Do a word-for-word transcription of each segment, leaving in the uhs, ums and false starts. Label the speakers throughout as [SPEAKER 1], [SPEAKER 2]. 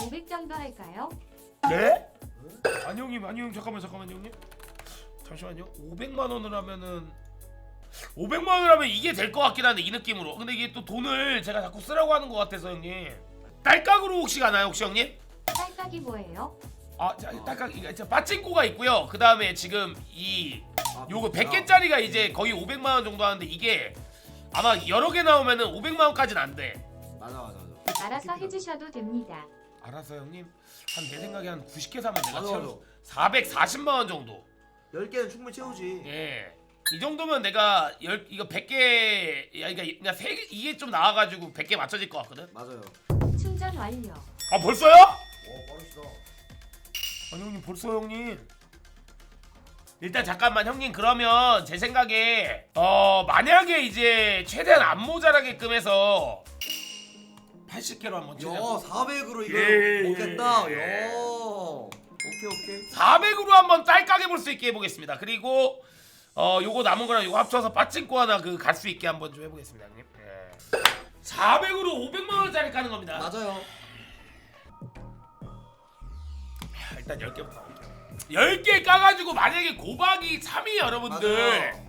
[SPEAKER 1] 오백 정도 할까요?
[SPEAKER 2] 네? 아니 형님 아니 형 잠깐만 잠깐만 형님 잠시만요. 오백만 원을 하면은 오백만 원을 하면 이게 될 것 같긴 한데 이 느낌으로. 근데 이게 또 돈을 제가 자꾸 쓰라고 하는 것 같아서 형님. 딸깍으로 혹시 가나요 혹시 형님?
[SPEAKER 1] 딸깍이 뭐예요?
[SPEAKER 2] 아, 자, 딸깍 이거 저 빠찡코가 있고요. 그 다음에 지금 이
[SPEAKER 3] 아,
[SPEAKER 2] 요거
[SPEAKER 3] 아,
[SPEAKER 2] 백 개짜리가 이제 거의 오백만 원 정도 하는데 이게 아마 여러 개 나오면은 오백만 원까지는 안 돼.
[SPEAKER 3] 맞아 맞아 맞아.
[SPEAKER 1] 알아서 해주셔도 됩니다.
[SPEAKER 2] 알았어 형님. 한 내 생각에 한 구십 개 사면 내가
[SPEAKER 3] 맞아,
[SPEAKER 2] 채워 사백사십만 원 정도.
[SPEAKER 3] 열 개는 충분히 채우지.
[SPEAKER 2] 예. 이 정도면 내가 열 이거 백 개 야 그러니까 그냥 세 개 이게 좀 나와 가지고 백 개 맞춰질 것 같거든.
[SPEAKER 3] 맞아요.
[SPEAKER 1] 충전 완료.
[SPEAKER 2] 아, 벌써요?
[SPEAKER 3] 오 빠르시다.
[SPEAKER 2] 아니 형님 벌써 형님. 일단 잠깐만 형님 그러면 제 생각에 어 만약에 이제 최대한 안 모자라게끔 해서 팔십 개로 한번 치자.
[SPEAKER 3] 야 사백으로 이거
[SPEAKER 2] 예,
[SPEAKER 3] 먹겠다.
[SPEAKER 2] 예.
[SPEAKER 3] 야. 오케이 오케이.
[SPEAKER 2] 사백으로 한번 딸깍해 볼 수 있게 해보겠습니다. 그리고 어 요거 남은 거랑 요거 합쳐서 빠찡코 하나 그 갈 수 있게 한번 좀 해보겠습니다 형님. 예. 사백으로 오백만 원짜리 까는 겁니다.
[SPEAKER 3] 맞아요.
[SPEAKER 2] 일단 열 개부터 가볼게요. 열 개 까가지고 만약에 고박이 삼 위 여러분들
[SPEAKER 3] 맞아요.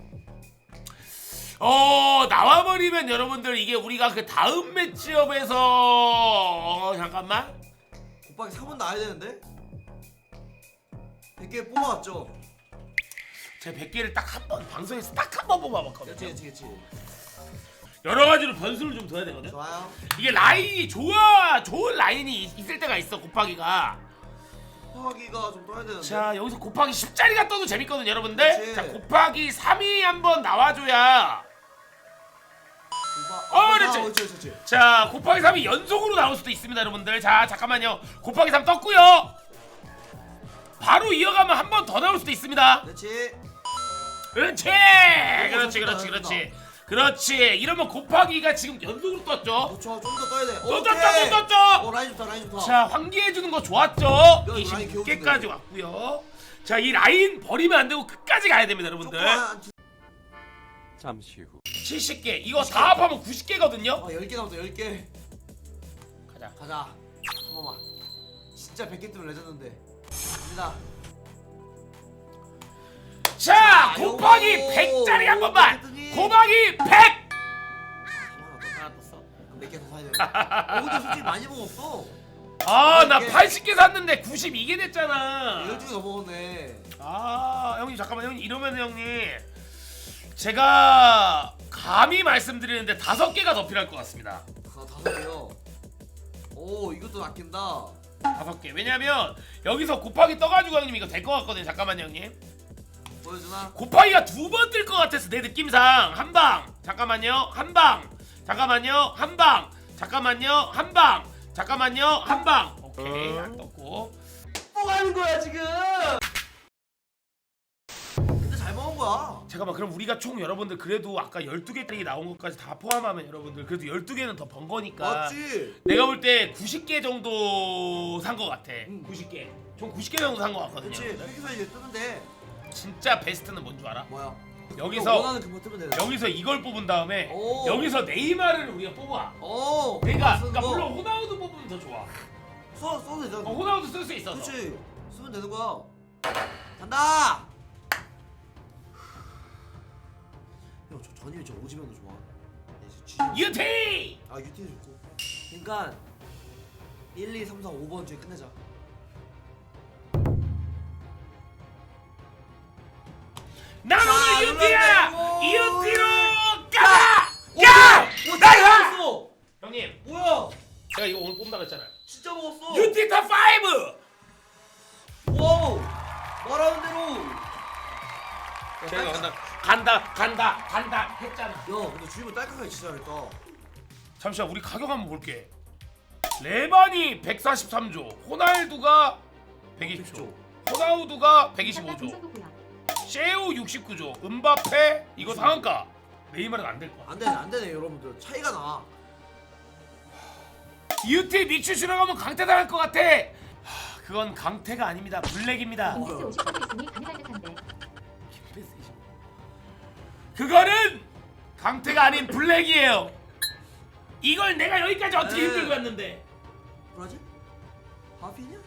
[SPEAKER 2] 어 나와버리면 여러분들 이게 우리가 그 다음 매치업에서 어 잠깐만
[SPEAKER 3] 곱하기 삼 은 나야 되는데. 백 개 뽑아왔죠.
[SPEAKER 2] 제가 백 개를 딱 한 번 방송에서 딱 한 번
[SPEAKER 3] 그렇지
[SPEAKER 2] 뽑아봤거든요.
[SPEAKER 3] 그렇지 그렇지.
[SPEAKER 2] 여러 가지로 변수를 좀 둬야 되거든.
[SPEAKER 3] 좋아요.
[SPEAKER 2] 이게 라인이 좋아 좋은 라인이 있- 있을 때가 있어 곱하기가.
[SPEAKER 3] 곱하기가 좀 떠야 되는데.
[SPEAKER 2] 자 여기서 곱하기 십짜리가 떠도 재밌거든 여러분들.
[SPEAKER 3] 그치.
[SPEAKER 2] 자 곱하기 삼 이 한번 나와줘야.
[SPEAKER 3] 곱하...
[SPEAKER 2] 어,
[SPEAKER 3] 아,
[SPEAKER 2] 그렇지.
[SPEAKER 3] 그렇지 그렇지.
[SPEAKER 2] 자 곱하기 삼이 연속으로 나올 수도 있습니다 여러분들. 자 잠깐만요. 곱하기 삼 떴고요. 바로 이어가면 한 번 더 나올 수도 있습니다.
[SPEAKER 3] 그렇지.
[SPEAKER 2] 그렇지 그렇지 그렇지 그렇지 그렇지. 이러면 곱하기가 지금 연속으로 떴죠.
[SPEAKER 3] 그렇죠. 좀 더 떠야 돼.
[SPEAKER 2] 또
[SPEAKER 3] 오케이.
[SPEAKER 2] 떴죠 또 떴죠.
[SPEAKER 3] 어 라인 좋다 라인 좋다.
[SPEAKER 2] 자 환기해주는 거 좋았죠.
[SPEAKER 3] 라인
[SPEAKER 2] 이십육
[SPEAKER 3] 개운데.
[SPEAKER 2] 개까지 왔고요. 자 이 라인 버리면 안 되고 끝까지 가야 됩니다 여러분들.
[SPEAKER 3] 조금
[SPEAKER 4] 잠시 후
[SPEAKER 2] 칠십 개 이거 다 합하면 구십 개거든요.
[SPEAKER 3] 어 열 개 남았다 열 개.
[SPEAKER 2] 가자.
[SPEAKER 3] 가자. 한 번만. 진짜 백 개 뜨면 레전드인데. 갑니다.
[SPEAKER 2] 자
[SPEAKER 3] 자,
[SPEAKER 2] 곱하기
[SPEAKER 3] 요거.
[SPEAKER 2] 백짜리 한 번만.
[SPEAKER 3] 어쨌든
[SPEAKER 2] 곱하기 백.
[SPEAKER 3] 하나
[SPEAKER 2] 하나 떴어.
[SPEAKER 3] 몇개 더 사야 돼. 어 근데 솔직히 많이 먹었어.
[SPEAKER 2] 아 나
[SPEAKER 3] 이게-
[SPEAKER 2] 팔십 개 샀는데 구십이 개 됐잖아.
[SPEAKER 3] 열두 개 더 먹었네.
[SPEAKER 2] 아 형님 잠깐만 형님 이러면 형님 제가 감히 말씀드리는데 다섯 개가 더 필요할 것 같습니다.
[SPEAKER 3] 아 다섯 개요. 오 이것도 아낀다.
[SPEAKER 2] 다섯 개. 왜냐면 여기서 곱하기 떠가지고 형님 이거 될 것 같거든요. 잠깐만요 형님.
[SPEAKER 3] 보여주나?
[SPEAKER 2] 곱하기가 두 번 뜰 것 같아서 내 느낌상 한 방. 잠깐만요 한 방. 잠깐만요 한 방. 잠깐만요 한 방. 잠깐만요 한 방. 오케이 안 떴고.
[SPEAKER 3] 뭐 하는 거야 지금? 근데 잘 먹은 거야.
[SPEAKER 2] 잠깐만 그럼 우리가 총 여러분들 그래도 아까 열두 개짜리 나온 것까지 다 포함하면 여러분들 그래도 열두 개는 더 번 거니까
[SPEAKER 3] 맞지?
[SPEAKER 2] 내가 볼 때 구십 개 정도 산 것 같아.
[SPEAKER 3] 응.
[SPEAKER 2] 구십 개. 총 구십 개 정도 산 것 같거든요.
[SPEAKER 3] 그렇지. 여기서 이제 뜨면 돼.
[SPEAKER 2] 진짜 베스트는 뭔 줄 알아?
[SPEAKER 3] 뭐야?
[SPEAKER 2] 여기서
[SPEAKER 3] 원하는 그거 뜨면 돼.
[SPEAKER 2] 여기서 이걸 뽑은 다음에
[SPEAKER 3] 오.
[SPEAKER 2] 여기서 네이마르를 우리가 뽑아.
[SPEAKER 3] 오.
[SPEAKER 2] 그러니까,
[SPEAKER 3] 쓰는
[SPEAKER 2] 그러니까
[SPEAKER 3] 거.
[SPEAKER 2] 물론 호나우두 뽑으면 더 좋아.
[SPEAKER 3] 써 써도 되잖아.
[SPEAKER 2] 어, 호나우두 쓸 수 있어서.
[SPEAKER 3] 그렇지. 쓰면 되는 거야. 간다. 형, 저 전임이 저 오지면도 좋아. 네, 저 쥐-
[SPEAKER 2] 유티.
[SPEAKER 3] 아 유티도 좋고. 그러니까 일, 이, 삼, 사, 오 번 중에 끝내자.
[SPEAKER 2] 난
[SPEAKER 3] 자,
[SPEAKER 2] 오늘 유티야.
[SPEAKER 3] 눌렀네.
[SPEAKER 2] 이
[SPEAKER 3] 오.
[SPEAKER 2] 유티로 가자.
[SPEAKER 3] 오,
[SPEAKER 2] 가.
[SPEAKER 3] 오,
[SPEAKER 2] 나가.
[SPEAKER 3] 먹었어.
[SPEAKER 2] 형님,
[SPEAKER 3] 뭐야?
[SPEAKER 2] 제가 이거 오늘 뽑는다 그랬잖아요.
[SPEAKER 3] 진짜 먹었어.
[SPEAKER 2] 유티 탑 파이브.
[SPEAKER 3] 와우. 말하는 대로.
[SPEAKER 2] 제가 간다, 간다, 간다, 간다 했잖아.
[SPEAKER 3] 야, 근데 주임은 딸깍하게 진짜 잘했다.
[SPEAKER 2] 잠시만 우리 가격 한번 볼게. 레반이 백사십삼 조, 호날두가 백이십 조, 호나우두가 백이십오 조, 셰우 육십구 조, 음바페 이거 상한가. 네이마르는 안 될 거야.
[SPEAKER 3] 안 되네, 안 되네, 여러분들. 차이가 나.
[SPEAKER 2] 유티 믹슈슈랑 하면 강태 당할 것 같아. 하, 그건 강태가 아닙니다. 블랙입니다.
[SPEAKER 1] 인기스 오십 퍼센트 있으니 가능할 듯한데.
[SPEAKER 2] 그거는 강태가 아닌 블랙이에요. 이걸 내가 여기까지 어떻게
[SPEAKER 3] 에이.
[SPEAKER 2] 힘들고 왔는데.
[SPEAKER 3] 뭐라지? 하피냐?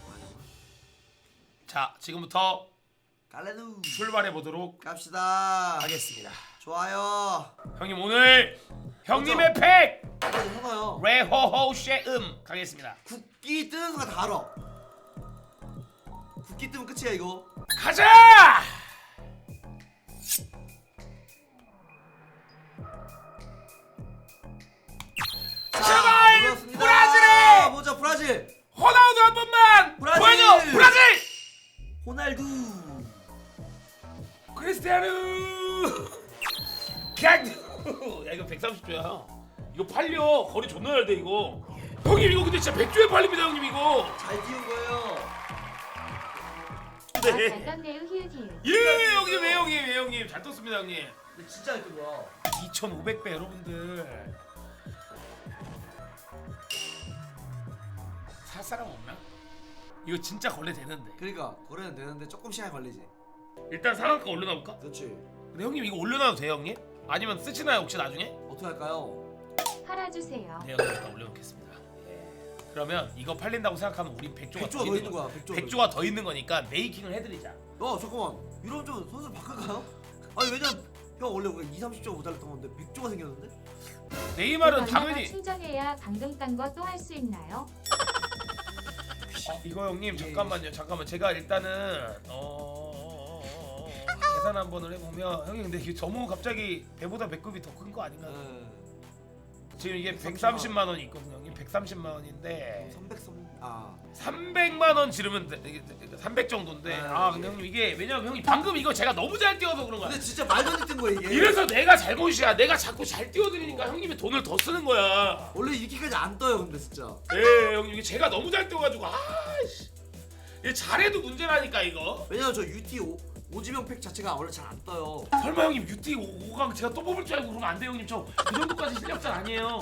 [SPEAKER 2] 자 지금부터
[SPEAKER 3] 깔레누
[SPEAKER 2] 출발해 보도록
[SPEAKER 3] 갑시다.
[SPEAKER 2] 하겠습니다.
[SPEAKER 3] 좋아요.
[SPEAKER 2] 형님 오늘 형님의 팩
[SPEAKER 3] 빨리 해봐요.
[SPEAKER 2] 레호호 쉐음 가겠습니다.
[SPEAKER 3] 국기 뜨는 순간 다 알아. 국기 뜨면 끝이야 이거.
[SPEAKER 2] 가자!
[SPEAKER 3] 자,
[SPEAKER 2] 제발!
[SPEAKER 3] 눌렀습니다.
[SPEAKER 2] 브라질에!
[SPEAKER 3] 보자 브라질.
[SPEAKER 2] 호나우두 한 번만
[SPEAKER 3] 브라질!
[SPEAKER 2] 보여줘! 브라질!
[SPEAKER 3] 호날두.
[SPEAKER 2] 크리스티아누 갱! 야 이거 백삼십 조야. 이거 팔려. 거리 존나 잘 돼 이거. 형님 이거 근데 진짜 백 조에 팔립니다 형님 이거.
[SPEAKER 3] 잘 띄운 거예요.
[SPEAKER 1] 아, 잘 떴네요. 히읗 히읗.
[SPEAKER 2] 예 형님 왜 형님 왜 형님 잘 떴습니다 형님.
[SPEAKER 3] 근데 진짜 잘 띄운 거야.
[SPEAKER 2] 이천오백 배 여러분들. 살 사람 없나? 이거 진짜 걸레 되는데.
[SPEAKER 3] 그러니까 거래는 되는데 조금 시간 걸리지.
[SPEAKER 2] 일단 상한가 올려놔볼까?
[SPEAKER 3] 그렇지.
[SPEAKER 2] 근데 형님 이거 올려놔도 돼요 형님? 아니면 쓰시나요 혹시 나중에?
[SPEAKER 3] 어떻게 할까요?
[SPEAKER 1] 팔아주세요.
[SPEAKER 2] 네 형님 일단 올려놓겠습니다. 예. 그러면 이거 팔린다고 생각하면 우리 백 조가,
[SPEAKER 3] 백조가 더 있는 거야. 백조가.
[SPEAKER 2] 백 조가 더 있는 거니까 메이킹을 해드리자.
[SPEAKER 3] 야 잠깐만. 이러면 좀 선수 바꿀까요? 아니 왜냐면 형 원래 우리가 이, 삼십 조가 모자랐던 건데 백 조가 생겼는데?
[SPEAKER 2] 네이마르는
[SPEAKER 1] 얼마나
[SPEAKER 2] 당연히
[SPEAKER 1] 충전해야 방금 딴 거 또 할 수 있나요?
[SPEAKER 2] 어, 이거 형님 잠깐만요 잠깐만 제가 일단은 어... 계산 한번을 해보면 형님 근데 이게 너무 갑자기 배보다 배급이 더 큰 거 아닌가요?
[SPEAKER 3] 네.
[SPEAKER 2] 지금 이게 백삼십만 원이 있거든요 형님. 백삼십만 원인데
[SPEAKER 3] 삼백삼 아
[SPEAKER 2] 삼백만 원 지르면 돼. 이게 삼백 정도인데
[SPEAKER 3] 네,
[SPEAKER 2] 아
[SPEAKER 3] 네.
[SPEAKER 2] 근데 형님 이게 왜냐면 형님 방금 이거 제가 너무 잘 띄워서 그런 거야.
[SPEAKER 3] 근데 진짜 말도 안 되는 거야 이게.
[SPEAKER 2] 이래서 내가 잘못이야. 내가 자꾸 잘 띄워드리니까 형님이 돈을 더 쓰는 거야.
[SPEAKER 3] 원래 이렇게까지 안 떠요 근데 진짜.
[SPEAKER 2] 네 형님 이게 제가 너무 잘 띄워가지고 아씨 이게 잘해도 문제라니까 이거.
[SPEAKER 3] 왜냐면 저 유티 오, 오지명 팩 자체가 원래 잘 안 떠요.
[SPEAKER 2] 설마 형님 유티 오강 제가 또 뽑을 줄 알고 그러면 안 돼요 형님. 저 그 정도까지 실력자 아니에요.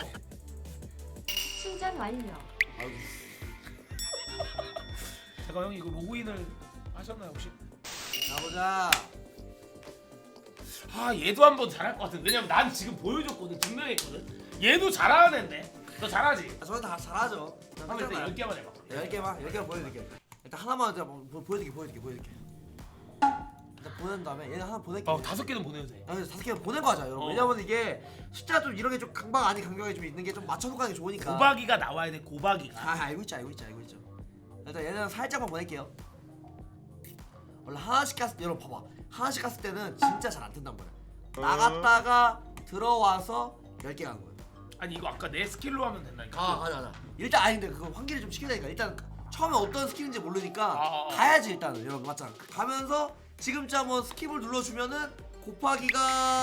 [SPEAKER 1] 충전 완료.
[SPEAKER 3] 아유.
[SPEAKER 2] 제가 형님 이거 로그인을 하셨나요 혹시?
[SPEAKER 3] 가보자.
[SPEAKER 2] 아 얘도 한번 잘할 것 같은데. 왜냐면 난 지금 보여줬거든. 증명했거든. 얘도 잘하는 애인데 너 잘하지?
[SPEAKER 3] 아, 저는 다 잘하죠.
[SPEAKER 2] 한번 일단 열 개만 해봐.
[SPEAKER 3] 열 개만 열 개만 보여드릴게. 일단 하나만 제가 보- 보여드릴게 보여드릴게 보여드릴게. 일단 보낸 다음에 얘는 하나 보낼게.
[SPEAKER 2] 어 다섯 개는 보내도 돼.
[SPEAKER 3] 아, 그래서 다섯 개 보낸 거 하자 여러분.
[SPEAKER 2] 어.
[SPEAKER 3] 왜냐면 이게 숫자 좀 이런 게 좀 강박 아닌 강경하게 좀 있는 게 좀 맞춰놓고 가는 게 좋으니까.
[SPEAKER 2] 고박이가 나와야 돼. 고박이가.
[SPEAKER 3] 아 알고 있죠 알고 있죠 알고 있죠. 일단 얘는 살짝만 보낼게요. 원래 하나씩 갔을 때 여러분 봐봐. 하나씩 갔을 때는 진짜 잘 안 뜬단 말이야. 나갔다가 들어와서 열 개 가는 거야.
[SPEAKER 2] 아니 이거 아까 내 스킬로 하면 된다니까.
[SPEAKER 3] 아 맞아 맞아. 일단 아닌데 그거 환기를 좀 시키려니까 일단 처음에 어떤 스킬인지 모르니까
[SPEAKER 2] 아, 아.
[SPEAKER 3] 가야지 일단은 여러분 맞잖아. 가면서 지금쯤 한번 스킵을 눌러주면은 곱하기가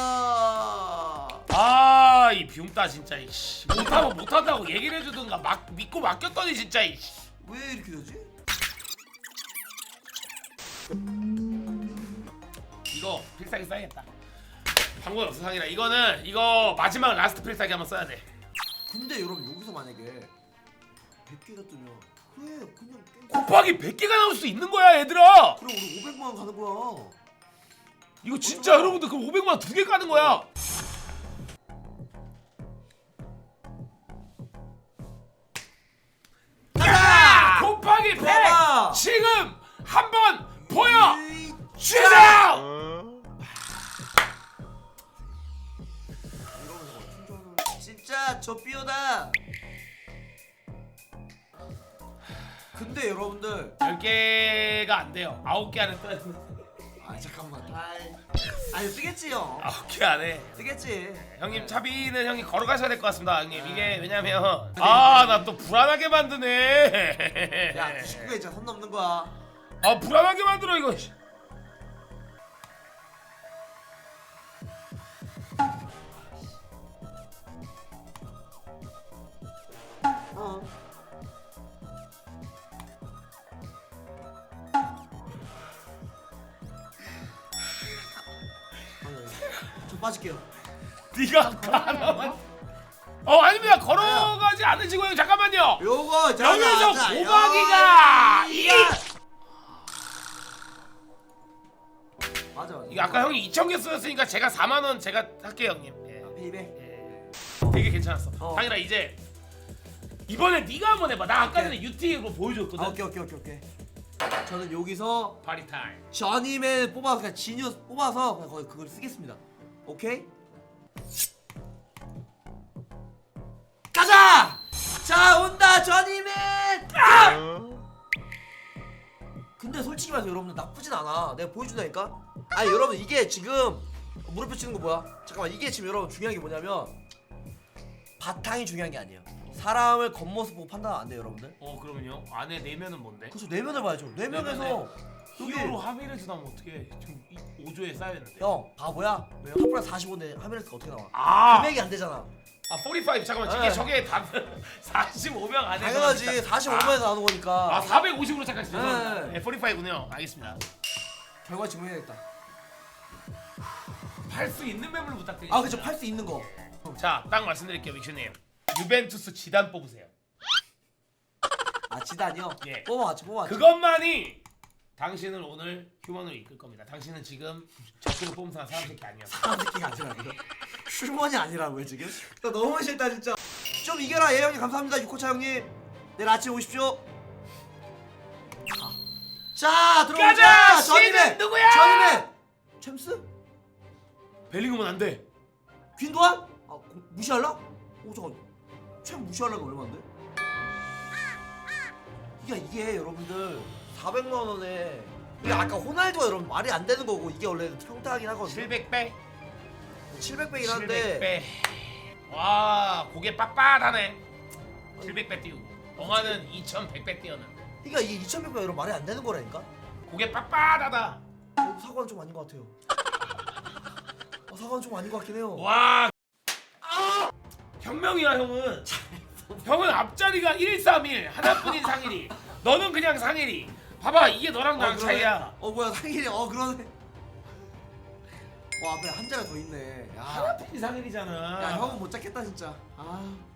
[SPEAKER 2] 아, 이 비움따 진짜 이씨. 못하면 못한다고 얘기를 해주든가 막 믿고 맡겼더니 진짜 이씨.
[SPEAKER 3] 왜 이렇게 되지?
[SPEAKER 2] 이거 필살기 써야겠다. 방법 없어 상이라. 이거는 이거 마지막 라스트 필살기 한번 써야 돼.
[SPEAKER 3] 근데 여러분 여기서 만약에 백 개가 뜨면 그래 그냥 게임
[SPEAKER 2] 곱하기 백 개가 나올 수 있는 거야 얘들아.
[SPEAKER 3] 그럼 우리 오백만 원 가는 거야.
[SPEAKER 2] 이거 진짜 여러분들 그럼 오백만 원 두 개 까는 거야. 야! 곱하기 백
[SPEAKER 3] 봐봐.
[SPEAKER 2] 지금 한번 보여
[SPEAKER 3] 에이,
[SPEAKER 2] 주세요.
[SPEAKER 3] 이러면서 충전을 진짜 저 삐어다. 근데 여러분들
[SPEAKER 2] 열 개가 안 돼요. 아홉 개 안에 떠야 돼.
[SPEAKER 3] 아 잠깐만 아이 아니 뜨겠지요.
[SPEAKER 2] 아홉 개 안에.
[SPEAKER 3] 뜨겠지.
[SPEAKER 2] 형님 차비는 형이 걸어가셔야 될 것 같습니다 형님. 이게 왜냐면 아 나 또 불안하게 만드네.
[SPEAKER 3] 야 구십구 개 진짜 선 넘는 거야.
[SPEAKER 2] 아 불안하게 만들어 이거.
[SPEAKER 3] 어. 저 빠질게요.
[SPEAKER 2] 네가 아까 하나만. 어 아닙니다. 걸어가지 않으시고 형 잠깐만요.
[SPEAKER 3] 요거 자,
[SPEAKER 2] 여기서
[SPEAKER 3] 자,
[SPEAKER 2] 고박이가
[SPEAKER 3] 요-
[SPEAKER 2] 이
[SPEAKER 3] 맞아 맞아.
[SPEAKER 2] 이게 아까 형이 이천 개 쓰였으니까 제가 사만 원 제가 할게요 형님. 예.
[SPEAKER 3] 페이백.
[SPEAKER 2] 예. 되게 괜찮았어.
[SPEAKER 3] 어.
[SPEAKER 2] 당연히 이제 이번에 네가 한번 해봐. 나 아까 전에
[SPEAKER 3] 오케이.
[SPEAKER 2] 유티로 보여줬거든.
[SPEAKER 3] 아, 오케이 오케이 오케이 오케이. 저는 여기서
[SPEAKER 2] 파리 타임.
[SPEAKER 3] 저님을 뽑아서 그냥 지니어스 뽑아서 그냥 거기 그걸 쓰겠습니다. 오케이? 가자! 자 온다 저님의. 아! 근데 솔직히 말해서 여러분들 나쁘진 않아. 내가 보여준다니까. 아니 여러분 이게 지금 무릎 펴치는 거 뭐야? 잠깐만 이게 지금 여러분 중요한 게 뭐냐면 바탕이 중요한 게 아니에요. 사람을 겉모습 보고 판단 안 돼요 여러분들.
[SPEAKER 2] 어 그러면요. 안에 내면은 뭔데?
[SPEAKER 3] 그래서 내면을 봐야죠. 내면에서 여기
[SPEAKER 2] 히어로 하미레스 나면 어떻게? 지금 오 조에 쌓여있는데.
[SPEAKER 3] 형 바보야? 왜요? 탑플라 사십오인데 하미레스가 어떻게 나와?
[SPEAKER 2] 아.
[SPEAKER 3] 금액이 안 되잖아.
[SPEAKER 2] 아 사십오 잠깐만 이게
[SPEAKER 3] 네.
[SPEAKER 2] 저게 다 사십오 명 안에
[SPEAKER 3] 당연하지. 사십오만에서 나오는 거니까.
[SPEAKER 2] 아 사백오십으로 착각했어.
[SPEAKER 3] 네.
[SPEAKER 2] 네, 사십오군요. 알겠습니다.
[SPEAKER 3] 결과 증명해야겠다.
[SPEAKER 2] 팔 수 있는 맵을 부탁드립니다.
[SPEAKER 3] 아 그쵸 팔 수 있는 거.
[SPEAKER 2] 자, 딱 말씀드릴게요, 믹슈님. 유벤투스 지단 뽑으세요.
[SPEAKER 3] 아 지단이요?
[SPEAKER 2] 예.
[SPEAKER 3] 뽑아왔지 뽑아왔지.
[SPEAKER 2] 그것만이 당신을 오늘 휴먼으로 이끌 겁니다. 당신은 지금 적으로 뽑은 사람 사람 새끼 아니야.
[SPEAKER 3] 사람 새끼가 아니라고요? 슈먼이 아니라고요 지금? 나 너무 싫다 진짜. 좀 이겨라 예 형님 감사합니다. 유코차 형님. 내일 아침에 오십시오. 자 들어오자.
[SPEAKER 2] 가자!
[SPEAKER 3] 전임의
[SPEAKER 2] 시즌 누구야?
[SPEAKER 3] 전임의 챔스?
[SPEAKER 2] 벨링엄은 안 돼.
[SPEAKER 3] 퀸도안? 아 고- 무시할라? 오 잠깐. 챔 무시하려면 얼마인데? 이게 이게 여러분들 사백만 원에 이게 아까 호날두가 여러분 말이 안 되는 거고 이게 원래 평타하긴 하거든요.
[SPEAKER 2] 칠백 배.
[SPEAKER 3] 칠백 배긴
[SPEAKER 2] 칠백
[SPEAKER 3] 한데
[SPEAKER 2] 배. 와, 고개 빳빳하네. 칠백 배 띄우고. 영화는 이천백 배 띄웠는데.
[SPEAKER 3] 그러니까 이게 이천백 배 여러분 말이 안 되는 거라니까.
[SPEAKER 2] 고개 빳빳하다.
[SPEAKER 3] 어, 사과는 좀 아닌 것 같아요. 어, 사과는 좀 아닌 것 같긴 해요.
[SPEAKER 2] 와. 아! 혁명이야, 형은. 형은 앞자리가 일삼일 하나뿐인 상일이. 너는 그냥 상일이. 봐봐, 이게 너랑 나랑
[SPEAKER 3] 그러네.
[SPEAKER 2] 차이야.
[SPEAKER 3] 어 뭐야 상일이 어 그러네. 와 앞에 한 자가 더 있네. 야,
[SPEAKER 2] 하나뿐인 상일이잖아.
[SPEAKER 3] 야 형은 못 잡겠다 진짜. 아.